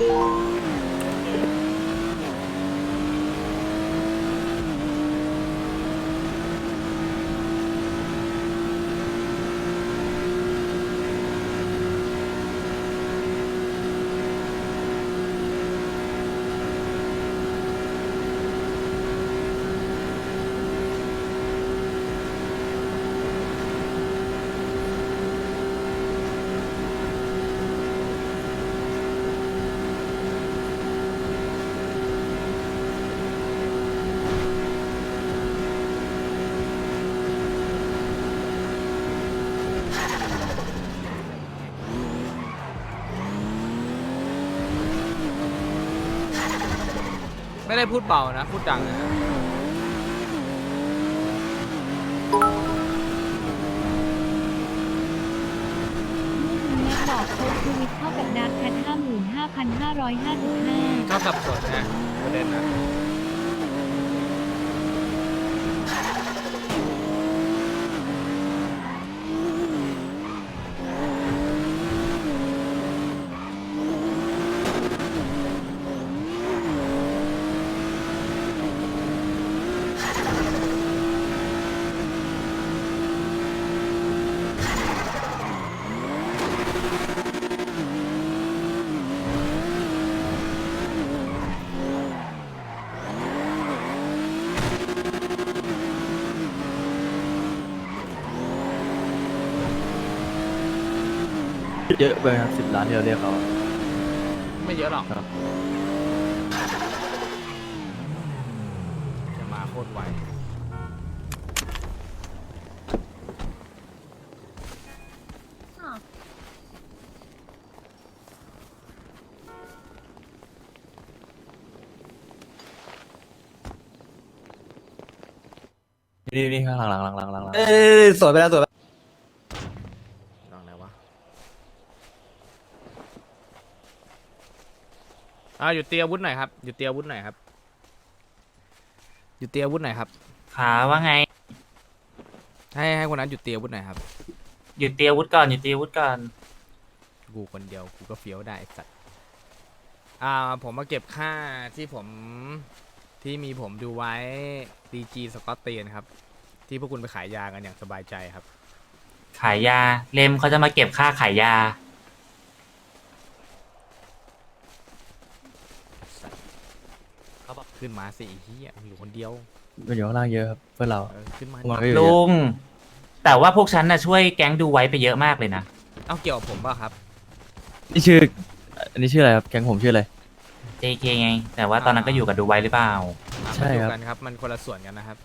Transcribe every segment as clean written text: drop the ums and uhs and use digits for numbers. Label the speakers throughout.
Speaker 1: ไม่ได้พูดเบานะพูดดังนะ
Speaker 2: แม็กบอกโค้ดทวิตเท่ากับดาร์คแพท55,555
Speaker 1: ชอบสับสนนะประเด็นนะ
Speaker 3: เยอะไปครับ10 ล้านที่เราเรียกเขา
Speaker 1: ไม่เยอะหรอก
Speaker 3: ครับ
Speaker 1: จะมาโคตรไว
Speaker 3: นี่ข้างหลัง
Speaker 4: สวยไปแล้วสวยไป
Speaker 1: ลองไหนวะหยุดเตรียมอาวุธหน่อยครับหยุดเตรียมอาวุธหน่อยครับหยุดเตรียมอาวุธหน่อยครับ
Speaker 5: ขาว่าไง
Speaker 1: ให้คนนั้นหยุดเตรียมอาวุธหน่อยครับ
Speaker 5: หยุดเตรียมอาวุธก่อนหยุดเตรียมอาวุธก่อน
Speaker 1: กูคนเดียวกูก็เฟี้ยวได้ไอ้สัตว์ผมมาเก็บค่าที่มีผมดูไว้ DG สกอตเตียนครับ ที่พวกคุณไปขายยากันอย่างสบายใจครับ
Speaker 5: ขายยาเลมเขาจะมาเก็บค่าขายยา
Speaker 1: เขาบอกขึ้นมาสิไอ้เหี้ยมึงอยู่คนเดียว
Speaker 3: มันอยู่ข้างล่างเยอะครับเพื่อนเรา
Speaker 1: ขึ้นมา
Speaker 3: มันก็อยู่เย
Speaker 5: ลุ
Speaker 3: อะ
Speaker 5: ง แต่ว่าพวกฉันน่ะช่วยแก๊งดูไว้ไปเยอะมากเลยนะ
Speaker 1: เอาเกี่ยวกับผมป่ะครับ
Speaker 3: นี่ชื่ออันนี้ชื่ออะไรครับแก๊งผมชื่ออะไร
Speaker 5: JK ไง แต่ว่าตอนนั้นก็อยู่กับดูไว้หรือเปล่า
Speaker 3: ใช่ครับ
Speaker 1: มันอยู่กันครับ มันคนละส่วนกันนะครับ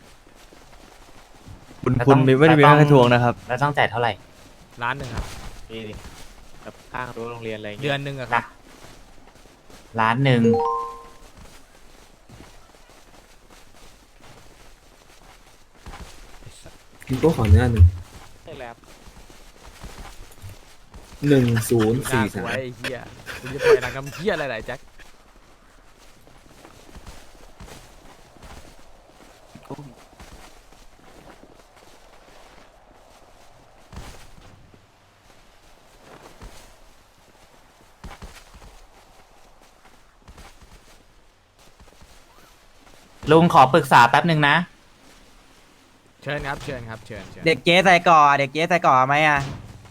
Speaker 3: คุณไม่ได้มีค่าทวงนะครับ
Speaker 5: แล้วต้องจ่ายเท่าไหร่
Speaker 1: ล้านหนึ่งครับ
Speaker 4: นี่ดิกับข้างรั้วโรงเรียนอะไรอย่าง
Speaker 1: เดื
Speaker 4: เงี้
Speaker 1: อย นหนึ่งอะครับ
Speaker 5: ล้านหนึ่ง
Speaker 6: คุณก็ขอหน้าหนึ่ง
Speaker 4: ใช่แล้ว
Speaker 6: 1043
Speaker 1: ไอ้เหี้ยกูจะปล่อยหนังกำเหี้ยอะไรๆแจ็ค
Speaker 5: ลุงขอปรึกษาแป๊บหนึ่งนะ
Speaker 1: เชิญครับ เชิญ
Speaker 4: เด็กเจ๊ใส่ก่อเด็กเจ๊ใส่ก่อไหมอ่ะ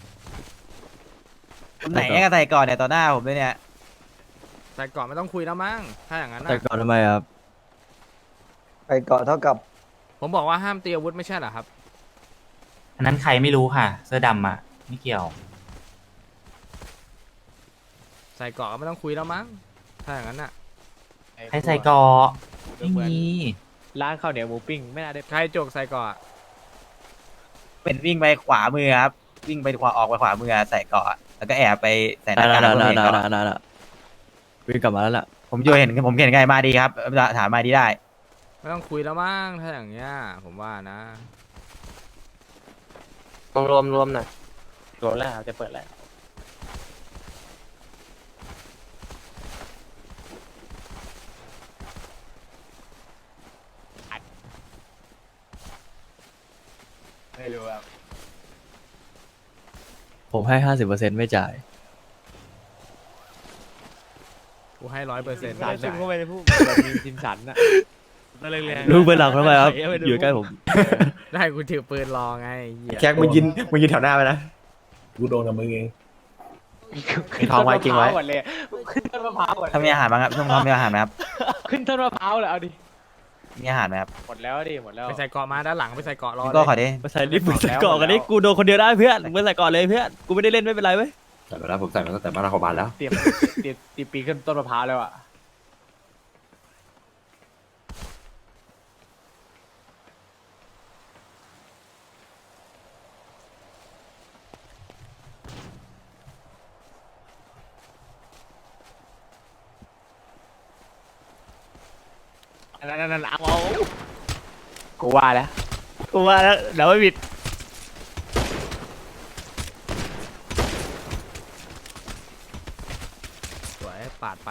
Speaker 4: คนไหนก็ใส่ก่อเนี่ยต่อหน้าผมด้วยเนี่ย
Speaker 1: แต่ก่อนไม่ต้องคุยแล้วมั้ง ถ้าอย่างนั้น
Speaker 3: แต่
Speaker 1: นะ
Speaker 3: ก่อนทำไมครับ
Speaker 4: ใส่ก่อเท่ากับ
Speaker 1: ผมบอกว่าห้ามตีอาวุธไม่ใช่เหรอครับ
Speaker 5: อันนั้นใครไม่รู้ค่ะ เสื้อดำอ่ะ ไม่เกี่ยว
Speaker 1: ใส่เกาะก็ไม่ต้องคุยแล้วมั้ง ถ้าอย่างนั้นน่ะ
Speaker 5: ให้ใส่เกอไม่มี
Speaker 4: ร้านข้าวเหนียวหมูปิ้งไม่น่าได้
Speaker 1: ใครจกใส่เกาะ
Speaker 4: เป็นวิ่งไปขวามือครับวิ่งไปขวาออกไปขวามือใส่ก่อแล้วก็แอบไปใส่หน้ากากแล้วก็เห็นก่อน
Speaker 3: วิ่งกลับมาแล้วล่ะ
Speaker 4: ผมเห็นไงมาดีครับถามมาดีได้
Speaker 1: ไม่ต้องคุยแล้วมั้ง ถ้าอย่างเงี้ย ผมว่านะ
Speaker 4: รวมหน่อยรวมแล้วจะเปิดแล้วไม่รู้ครับ
Speaker 3: ผมให้50%ไม่จ่าย
Speaker 1: กูให้100%
Speaker 7: สันเข้าไปในผู้แบบมีจินสันอะนั่นแรง
Speaker 3: ลุงไปหลังทำไมครับอยู่ใกล้ผม
Speaker 1: ได้กูถือปืนรอไงเหี้ย
Speaker 7: แจ็คมึงยืนแถวหน้าไปนะ
Speaker 6: กูโดนกับมึงเอง
Speaker 7: ขึ้นต้นมะพร้าวก่อนเลยขึ้นต้นมะพร้าวก่อน
Speaker 4: ถ้ามีอาหารบ้างครับช่วงท้องมีอาหารไหมครับ
Speaker 7: ขึ้นต้นมะพร้าวเลยเอาดิ
Speaker 4: มีอาหารไหมครับ
Speaker 7: หมดแล้วดิหมดแล้ว
Speaker 1: ไปใส่เกาะมาด้านหลังไปใส่เกาะรอ
Speaker 4: พี่โก้ขอ
Speaker 1: เลย
Speaker 4: ดิ
Speaker 3: มาใส่ลิฟต์มึงใส่เกาะกันนี่กูโดนคนเดียวได้เพื่อนมึงใส่เกาะเลยเพื่อนกูไม่ได้เล่นไม่เป็นไรเว้ย
Speaker 6: ใส่มาแล้วผมใส่มาตั้งแต่บ้านเราของบ้านแล้ว
Speaker 7: เตรียมปีนขึ้นต้นมะพร้าวแล้วอะ นั่นเอากูว่าแล้วเดี๋ยวไม่ผิด
Speaker 1: สวยปาดไป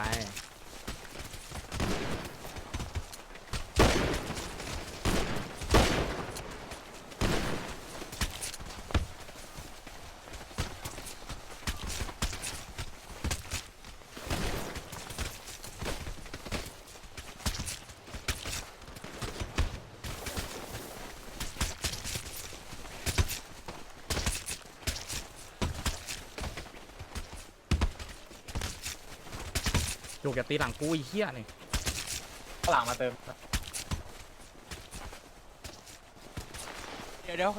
Speaker 1: จุกอย่าตีหลังกูไอ้เหี้ยนี่
Speaker 7: หลังมาเติมเดี๋ยว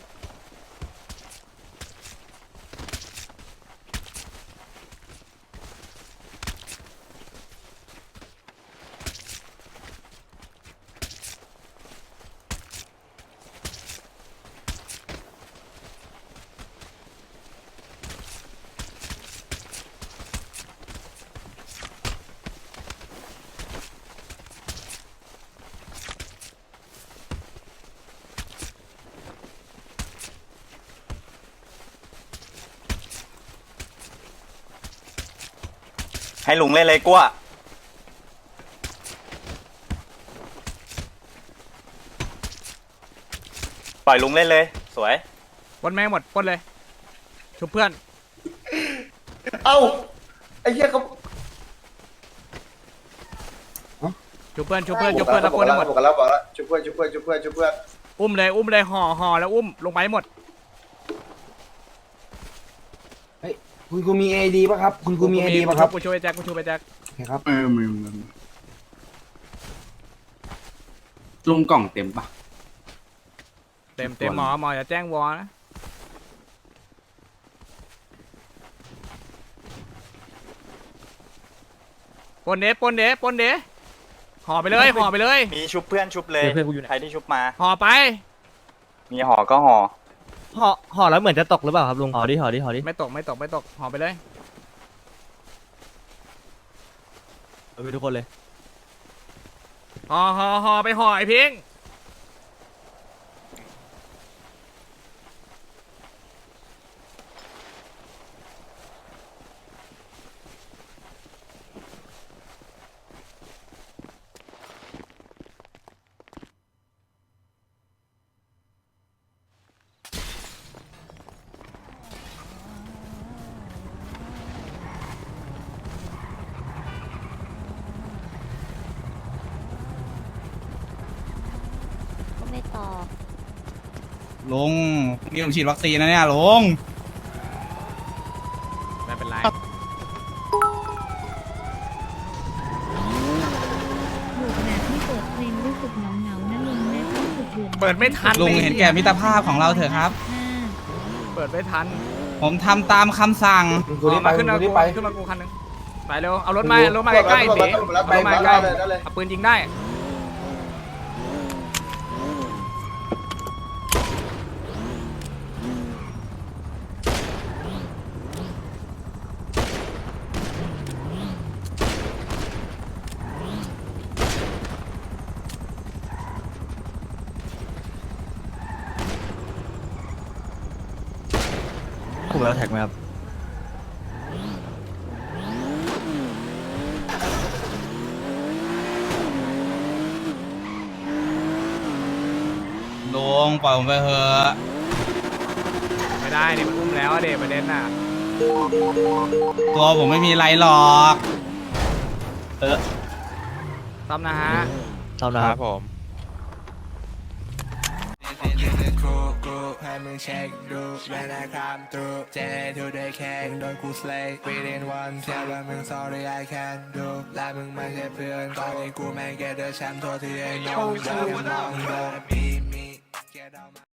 Speaker 8: ให้ลุงเล่นเลยกลัวปล่อยลุงเล่นเลย สวย
Speaker 1: ปล้นแม่งหมดปล้นเลยชุบเพื่อน
Speaker 8: เอ้า ไอ้เหี้ยเขา
Speaker 1: ชุบเพื่อนชุบเพื่อนชุบเพื่อนแล้วปล้นให้หมด
Speaker 8: บอกแล้วช่วยเพื่อน
Speaker 1: อุ้มเลยห่อแล้วอุ้มลงไปให้หมด
Speaker 9: คุณครูมีเอดีป่ะครับ คุณครูมีเอดีป่ะครับ
Speaker 1: กูช่วยแจ็คกูช่วยแจ็ค
Speaker 9: โอเคครับ
Speaker 6: ลุงกล่องเต็มปะ
Speaker 1: เต็มหมออย่าแจ้งวอนะปนเดห่อไปเลย
Speaker 8: มีชุบเพื่อนชุบเลย
Speaker 3: เพื่อนกูอยู่ไหน
Speaker 8: ใครที่ชุบมา
Speaker 1: ห่อไป
Speaker 8: มีห่อก็ห่อ
Speaker 3: ห่อแล้วเหมือนจะตกหรือเปล่าครับลุงห่อดิ
Speaker 1: ไม่ตกห่อไปเลย
Speaker 3: เอาไปทุกคนเลย
Speaker 1: ห่อไปห่อไอ้พิง
Speaker 2: ก็ไม่ตอบ
Speaker 9: ลุงนี่ผมฉีดวัคซีนนะเนี่ยลุง
Speaker 1: ไม่เป็นไร
Speaker 2: ถูกแบบที่เปิดเพลงรู้สึกเหงานะลุงแม่ต้องสุดเดือด
Speaker 1: เปิดไม่ทัน
Speaker 9: ลุงเห็นแก่มิตรภาพของเราเถอะครับ
Speaker 1: เปิดไม่ทัน
Speaker 9: ผมทำตามคำสั่ง
Speaker 1: มาขึ้นมากูคันนึงไปเร็วเอารถมาใกล้ๆเต๋รถมาใกล้เอาปืนยิงได้
Speaker 3: ถูกแล้วแท็กไหมครับ
Speaker 9: ลุงปล่อยผมไปเถอะ
Speaker 1: ไม่ได้เนี่ยมันอุ้มแล้วเด็ประเด็นน่ะ
Speaker 9: ตัวผมไม่มีไรหรอก
Speaker 1: มซ่อมนะฮะ
Speaker 3: ทำนะครับ
Speaker 10: ให้มึงเช็คดูเวลาคำตรูเจทูได้แค่โดนกูสเลย์ within one แค่ว่ามึง sorry I can't do และมึงไม่ใช่เพื่อนตอนนี้กูแม่ง get the champ ตัวที่ไอ้น้องเดินมองเดินมี